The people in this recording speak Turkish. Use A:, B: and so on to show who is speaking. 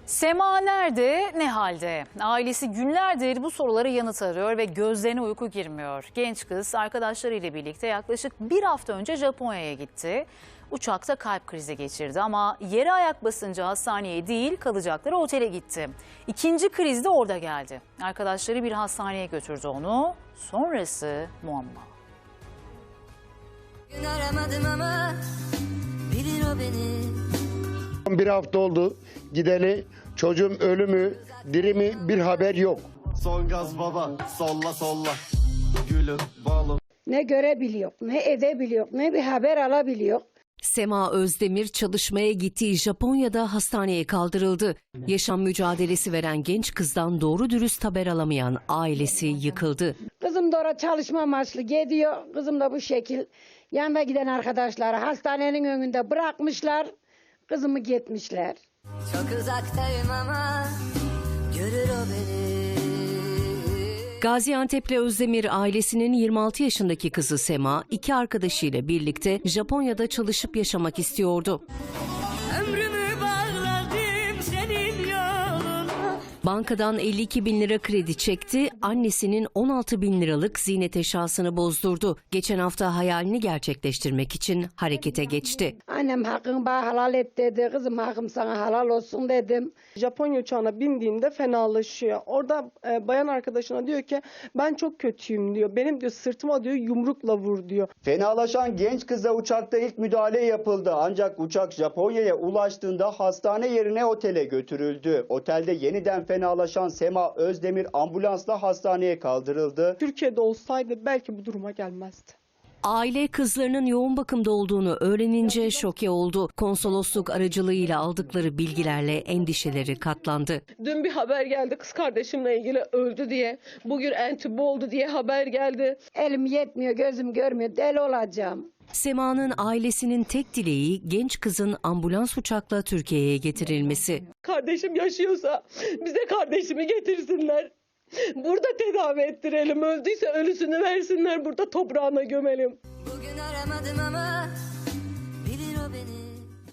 A: Sema nerede, ne halde? Ailesi günlerdir bu sorulara yanıt arıyor ve gözlerine uyku girmiyor. Genç kız arkadaşlarıyla birlikte yaklaşık bir hafta önce Japonya'ya gitti. Uçakta kalp krizi geçirdi ama yere ayak basınca hastaneye değil kalacakları otele gitti. İkinci kriz de orada geldi. Arkadaşları bir hastaneye götürdü onu. Sonrası muamma.
B: Gün aramadım ama bilir o beni.
C: Bir hafta oldu gideli, çocuğum ölü mü diri mi bir haber yok.
D: Son gaz baba, solla solla, gülüm balım.
E: Ne görebiliyor, ne edebiliyor, ne bir haber alabiliyor.
F: Sema Özdemir çalışmaya gittiği Japonya'da hastaneye kaldırıldı. Yaşam mücadelesi veren genç kızdan doğru dürüst haber alamayan ailesi yıkıldı.
E: Kızım da oraya çalışma amaçlı gidiyor. Kızım da bu şekil yanına giden arkadaşları hastanenin önünde bırakmışlar. Kızımı gitmişler.
B: Çok uzaktayım ama görür o beni.
F: Gaziantep'li Özdemir ailesinin 26 yaşındaki kızı Sema, iki arkadaşıyla birlikte Japonya'da çalışıp yaşamak istiyordu.
B: Ömrümü bağladım senin yoluna.
F: Bankadan 52 bin lira kredi çekti, annesinin 16 bin liralık ziynet eşyasını bozdurdu. Geçen hafta hayalini gerçekleştirmek için harekete geçti.
E: Annem hakkını bana halal et dedi. Kızım hakkım sana halal olsun dedim.
G: Japonya uçağına bindiğinde fenalaşıyor. Orada bayan arkadaşına diyor ki ben çok kötüyüm diyor. Benim diyor sırtıma diyor yumrukla vur diyor.
H: Fenalaşan genç kıza uçakta ilk müdahale yapıldı. Ancak uçak Japonya'ya ulaştığında hastane yerine otele götürüldü. Otelde yeniden fenalaşan Sema Özdemir ambulansla hastaneye kaldırıldı.
G: Türkiye'de olsaydı belki bu duruma gelmezdi.
F: Aile kızlarının yoğun bakımda olduğunu öğrenince şoke oldu. Konsolosluk aracılığıyla aldıkları bilgilerle endişeleri katlandı.
G: Dün bir haber geldi kız kardeşimle ilgili öldü diye. Bugün entübe oldu diye haber geldi.
E: Elim yetmiyor, gözüm görmüyor, deli olacağım.
F: Sema'nın ailesinin tek dileği genç kızın ambulans uçakla Türkiye'ye getirilmesi.
G: Kardeşim yaşıyorsa bize kardeşimi getirsinler. Burada tedavi ettirelim. Öldüyse ölüsünü versinler. Burada toprağına gömelim.
B: Bugün aramadım ama